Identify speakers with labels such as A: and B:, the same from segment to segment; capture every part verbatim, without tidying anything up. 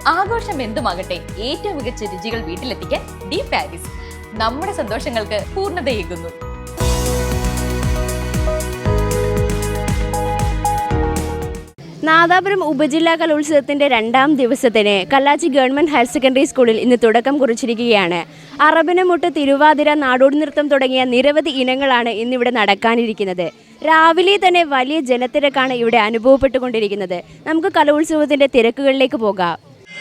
A: ആഘോഷം എന്തുമാകട്ടെ, ഏറ്റവും മികച്ച രുചികൾ വീട്ടിലെത്തിക്കാൻ ഡി പാരീസ് നമ്മുടെ സന്തോഷങ്ങൾക്ക് പൂർണ്ണതയേകുന്നു.
B: നാദാപുരം ഉപജില്ലാ കലോത്സവത്തിന്റെ രണ്ടാം ദിവസത്തിന് കല്ലാച്ചി ഗവൺമെന്റ് ഹയർ സെക്കൻഡറി സ്കൂളിൽ ഇന്ന് തുടക്കം കുറിച്ചിരിക്കുകയാണ്. അറബനമുട്ട്, തിരുവാതിര, നാടോടി നൃത്തം തുടങ്ങിയ നിരവധി ഇനങ്ങളാണ് ഇന്നിവിടെ നടക്കാനിരിക്കുന്നത്. രാവിലെ തന്നെ വലിയ ജനത്തിരക്കാണ് ഇവിടെ അനുഭവപ്പെട്ടുകൊണ്ടിരിക്കുന്നത്. നമുക്ക് കലോത്സവത്തിന്റെ തിരക്കുകളിലേക്ക് പോകാം.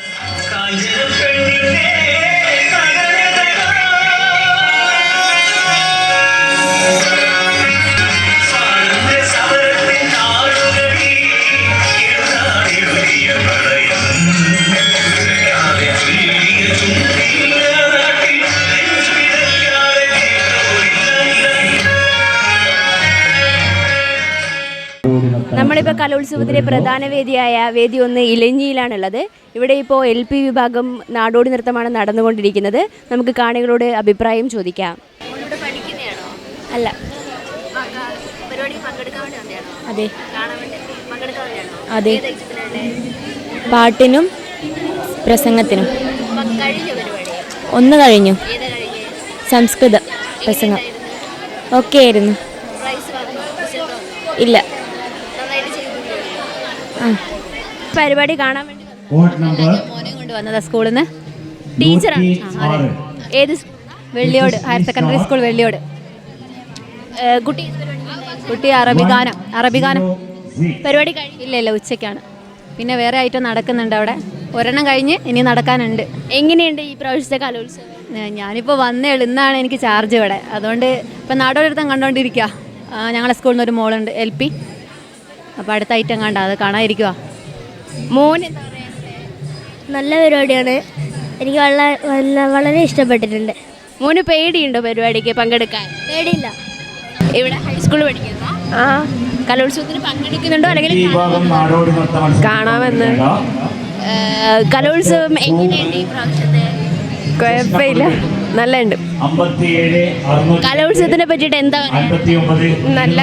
B: നമ്മളിപ്പോൾ കലോത്സവത്തിലെ പ്രധാന വേദിയായ വേദി ഒന്ന് ഇലഞ്ഞിയിലാണുള്ളത്. ഇവിടെ ഇപ്പോൾ എൽ പി വിഭാഗം നാടോടി നൃത്തമാണ് നടന്നുകൊണ്ടിരിക്കുന്നത്. നമുക്ക് കാണികളോട് അഭിപ്രായം ചോദിക്കാം. അല്ല, അതെ അതെ, പാട്ടിനും പ്രസംഗത്തിനും. ഒന്ന് കഴിഞ്ഞു, സംസ്കൃത പ്രസംഗം ഓക്കെ ആയിരുന്നു. ഇല്ല, പരിപാടി കാണാൻ വേണ്ടി മോനെ കൊണ്ടുവന്നതാ സ്കൂളിൽ നിന്ന്. ടീച്ചറാണ്. ഏത്? Velliyode higher secondary school, Velliyode. കുട്ടി കുട്ടി അറബി ഗാനം അറബി ഗാനം പരിപാടി കഴിയില്ല. ഇല്ല, ഉച്ചയ്ക്കാണ്. പിന്നെ വേറെ ഐറ്റം നടക്കുന്നുണ്ട് അവിടെ. ഒരെണ്ണം കഴിഞ്ഞ് ഇനി നടക്കാനുണ്ട്. എങ്ങനെയുണ്ട് ഈ പ്രാവശ്യത്തെ കലോത്സവം? ഞാനിപ്പോൾ വന്നേ ഉള്ളൂ. ഇന്നാണ് എനിക്ക് ചാർജ് ഇവിടെ. അതുകൊണ്ട് ഇപ്പം നാടോടി നൃത്തം കണ്ടുകൊണ്ടിരിക്കുക. ഞങ്ങളെ സ്കൂളിൽ നിന്ന് ഒരു മോളുണ്ട്, എൽ പി. അപ്പോൾ അടുത്ത ഐറ്റം കണ്ട അത് കാണാതിരിക്കുക. മോന്
C: നല്ല പരിപാടിയാണ്. എനിക്ക് വളരെ വളരെ ഇഷ്ടപ്പെട്ടിട്ടുണ്ട്.
B: മോന് പേടിയുണ്ടോ പരിപാടിക്ക് പങ്കെടുക്കാൻ?
C: പേടിയില്ല.
B: ഇവിടെ ഹൈസ്കൂളിൽ പഠിക്കുന്ന ആ കലോത്സവത്തിന് പങ്കെടുക്കുന്നുണ്ടോ അല്ലെങ്കിൽ
D: കാണാമെന്ന്?
B: കലോത്സവം എങ്ങനെയുണ്ട് ഈ പ്രാവശ്യത്തെ?
D: കുഴപ്പമില്ല, നല്ലുണ്ട്.
B: കലോത്സവത്തിനെ പറ്റിയിട്ട് എന്താ
D: നല്ല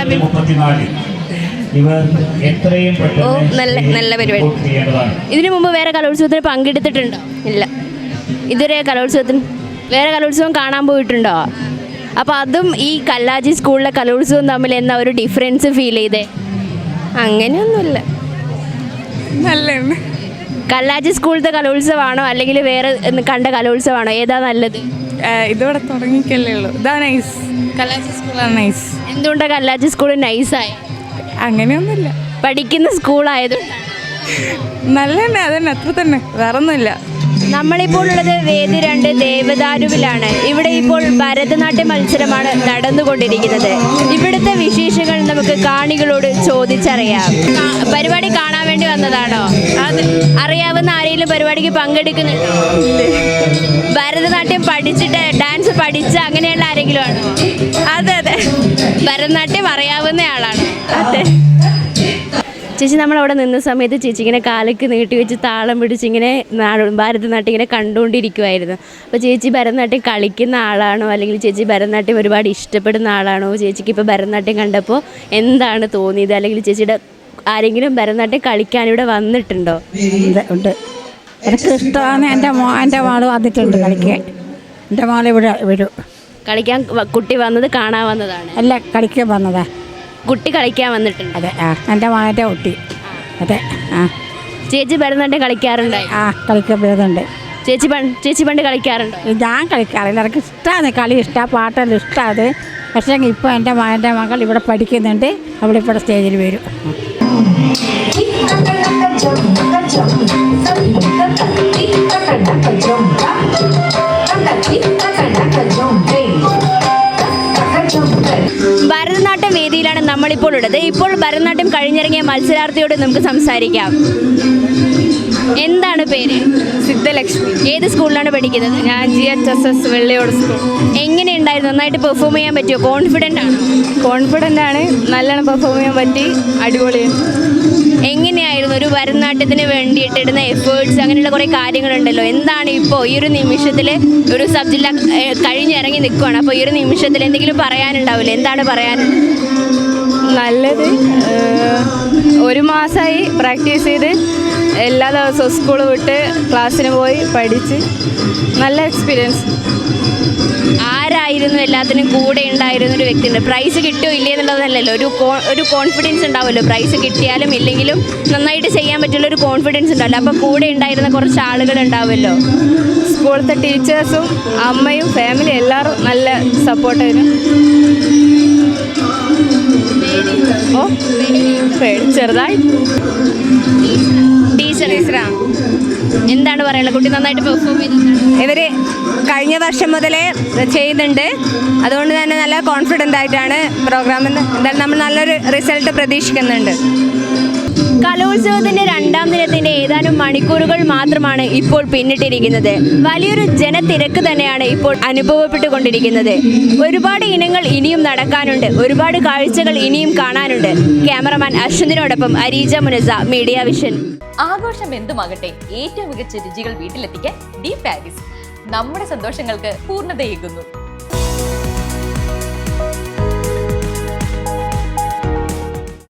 B: ഓ നല്ല നല്ല പരിപാടി. ഇതിനു മുമ്പ് വേറെ കലോത്സവത്തിന് പങ്കെടുത്തിട്ടുണ്ടോ? ഇല്ല, ഇതുവരെ കലോത്സവത്തിന് വേറെ കലോത്സവം കാണാൻ പോയിട്ടുണ്ടോ? അപ്പോൾ അതും ഈ കല്ലാച്ചി സ്കൂളിലെ കലോത്സവം തമ്മിൽ എന്താ ഒരു ഡിഫറൻസ് ഫീൽ ചെയ്തേ?
D: അങ്ങനെയൊന്നുമില്ല, നല്ല.
B: കല്ലാച്ചി സ്കൂളിലത്തെ കലോത്സവമാണോ അല്ലെങ്കിൽ വേറെ കണ്ട കലോത്സവമാണോ? ഏതാ നല്ലത്?
D: ഇതോടെ തുടങ്ങിക്കല്ലേ ഉള്ളൂ. ഇതാ നൈസ്. കല്ലാച്ചി സ്കൂളാണ് നൈസ്.
B: എന്തുകൊണ്ടാണ് കല്ലാച്ചി സ്കൂൾ നൈസായി?
D: അങ്ങനെയൊന്നുമില്ല,
B: പഠിക്കുന്ന സ്കൂളായത്
D: നല്ല തന്നെ. അതന്നെ, അത്ര തന്നെ, വേറൊന്നുമില്ല.
B: നമ്മളിപ്പോൾ ഉള്ളത് വേദി രണ്ട് ദേവദാരുവിലാണ്. ഇവിടെ ഇപ്പോൾ ഭരതനാട്യ മത്സരമാണ് നടന്നുകൊണ്ടിരിക്കുന്നത്. ഇവിടുത്തെ വിശേഷങ്ങൾ നമുക്ക് കാണികളോട് ചോദിച്ചറിയാം. പരിപാടി കാണാൻ വേണ്ടി വന്നതാണോ? അത് അറിയാവുന്ന ആരെങ്കിലും പരിപാടിക്ക് പങ്കെടുക്കുന്നുണ്ടോ? ഭരതനാട്യം പഠിച്ചിട്ട് ഡാൻസ് പഠിച്ച അങ്ങനെയുള്ള ആരെങ്കിലും ആണോ?
D: അതെ അതെ,
B: ഭരതനാട്യം അറിയാവുന്ന ആളാണ്.
D: അതെ.
B: ചേച്ചി, നമ്മളവിടെ നിന്ന സമയത്ത് ചേച്ചി ഇങ്ങനെ കാലൊക്കെ നീട്ടി വെച്ച് താളം പിടിച്ച് ഇങ്ങനെ ഭരതനാട്യം ഇങ്ങനെ കണ്ടുകൊണ്ടിരിക്കുമായിരുന്നു. അപ്പോൾ ചേച്ചി ഭരതനാട്യം കളിക്കുന്ന ആളാണോ അല്ലെങ്കിൽ ചേച്ചി ഭരതനാട്യം ഒരുപാട് ഇഷ്ടപ്പെടുന്ന ആളാണോ? ചേച്ചിക്ക് ഇപ്പോൾ ഭരതനാട്യം കണ്ടപ്പോൾ എന്താണ് തോന്നിയത്? അല്ലെങ്കിൽ ചേച്ചിയുടെ ആരെങ്കിലും ഭരതനാട്യം കളിക്കാൻ ഇവിടെ വന്നിട്ടുണ്ടോ?
E: ഉണ്ട്, എനിക്ക് ഇഷ്ടമാണ്. എൻ്റെ മോ എൻ്റെ മോള് വന്നിട്ടുണ്ട് കളിക്കാൻ. എൻ്റെ മോൾ ഇവിടെ വരും
B: കളിക്കാൻ. കുട്ടി വന്നത് കാണാൻ വന്നതാണ്?
E: അല്ല, കളിക്കാൻ വന്നതാ.
B: കുട്ടി കളിക്കാൻ വന്നിട്ടുണ്ട്?
E: അതെ. ആ, എൻ്റെ മകൻ്റെ കുട്ടി. അതെ. ആ,
B: ചേച്ചി ഭരതനാട്യം കളിക്കാറുണ്ടായി?
E: ആ, കളിക്കാൻ വരുന്നുണ്ട്.
B: ചേച്ചി പണ്ട് ചേച്ചി പണ്ട് കളിക്കാറുണ്ടോ?
E: ഞാൻ കളിക്കാറില്ല. എനിക്ക് ഇഷ്ടമാണ് കളി, ഇഷ്ടമാണ്, പാട്ടെല്ലാം ഇഷ്ടമാണ്. പക്ഷേ ഇപ്പോൾ എൻ്റെ മകൻ്റെ മകൾ ഇവിടെ പഠിക്കുന്നുണ്ട്. അവളിപ്പോൾ സ്റ്റേജിൽ വരും.
B: ഭരതനാട്യം വേദിയിലാണ് നമ്മളിപ്പോൾ ഉള്ളത്. ഇപ്പോൾ ഭരതനാട്യം കഴിഞ്ഞിറങ്ങിയ മത്സരാർത്ഥിയോട് നമുക്ക് സംസാരിക്കാം. എന്താണ് പേര്?
D: സിദ്ധലക്ഷ്മി.
B: ഏത് സ്കൂളിലാണ് പഠിക്കുന്നത്?
D: ഞാൻ G H S S Velliyode school.
B: എങ്ങനെയുണ്ടായിരുന്നു? നന്നായിട്ട് പെർഫോം ചെയ്യാൻ പറ്റുമോ? കോൺഫിഡൻ്റ് ആണ്?
D: കോൺഫിഡൻ്റ് ആണ്, നല്ലോണം പെർഫോം ചെയ്യാൻ പറ്റി, അടിപൊളിയാണ്.
B: എങ്ങനെയായിരുന്നു ഒരു ഭരതനാട്യത്തിന് വേണ്ടിയിട്ട് ഇടുന്ന എഫേർട്സ്, അങ്ങനെയുള്ള കുറേ കാര്യങ്ങളുണ്ടല്ലോ. എന്താണ് ഇപ്പോൾ ഈ ഒരു നിമിഷത്തിൽ ഒരു സബ് ജില്ല കഴിഞ്ഞിറങ്ങി നിൽക്കുകയാണ്, അപ്പോൾ ഈ ഒരു നിമിഷത്തിൽ എന്തെങ്കിലും പറയാനുണ്ടാവില്ലേ? എന്താണ് പറയാനുള്ളത്?
D: നല്ലത്, ഒരു മാസമായി പ്രാക്ടീസ് ചെയ്ത് എല്ലാ ദിവസവും സ്കൂൾ വിട്ട് ക്ലാസ്സിന് പോയി പഠിച്ച് നല്ല എക്സ്പീരിയൻസ്.
B: ആരായിരുന്നു എല്ലാത്തിനും കൂടെ ഉണ്ടായിരുന്ന ഒരു വ്യക്തിയുണ്ട്? പ്രൈസ് കിട്ടിയോ ഇല്ലേ എന്നുള്ളതല്ലല്ലോ, ഒരു ഒരു കോൺഫിഡൻസ് ഉണ്ടാവുമല്ലോ. പ്രൈസ് കിട്ടിയാലും ഇല്ലെങ്കിലും നന്നായിട്ട് ചെയ്യാൻ പറ്റുള്ള ഒരു കോൺഫിഡൻസ് ഉണ്ടാവില്ല. അപ്പോൾ കൂടെ ഉണ്ടായിരുന്ന കുറച്ച് ആളുകൾ ഉണ്ടാവുമല്ലോ.
D: സ്കൂളത്തെ ടീച്ചേഴ്സും അമ്മയും ഫാമിലി എല്ലാവരും നല്ല സപ്പോർട്ടായിരുന്നു. ഓ പേടി ചെറുതായി.
B: ടീച്ചർ എന്താണ് പറയാനുള്ളത്? കുട്ടി നന്നായിട്ട് പെർഫോം ചെയ്തിട്ടുണ്ട്.
F: ഇവർ കഴിഞ്ഞ വർഷം മുതലേ ചെയ്യുന്നുണ്ട്. അതുകൊണ്ട് തന്നെ നല്ല കോൺഫിഡൻ്റ് ആയിട്ടാണ് പ്രോഗ്രാമിൽ നിന്ന് എന്തായാലും നമ്മൾ നല്ലൊരു റിസൾട്ട് പ്രതീക്ഷിക്കുന്നുണ്ട്.
B: കലോത്സവത്തിന്റെ രണ്ടാം ദിനത്തിന്റെ ഏതാനും മണിക്കൂറുകൾ മാത്രമാണ് ഇപ്പോൾ പിന്നിട്ടിരിക്കുന്നത്. വലിയൊരു ജനത്തിരക്ക് തന്നെയാണ് ഇപ്പോൾ അനുഭവപ്പെട്ടുകൊണ്ടിരിക്കുന്നത്. ഒരുപാട് ഇനങ്ങൾ ഇനിയും നടക്കാനുണ്ട്, ഒരുപാട് കാഴ്ചകൾ ഇനിയും കാണാനുണ്ട്. ക്യാമറമാൻ അശ്വന്തിനോടൊപ്പം അരീജ മുനസ, മീഡിയ വിഷൻ.
A: ആഘോഷം എന്തുമാകട്ടെ, ഏറ്റവും മികച്ച രുചികൾ വീട്ടിലെത്തിക്കാൻ ഡി പാരീസ് നമ്മുടെ സന്തോഷങ്ങൾക്ക് പൂർണ്ണതയേകുന്നു.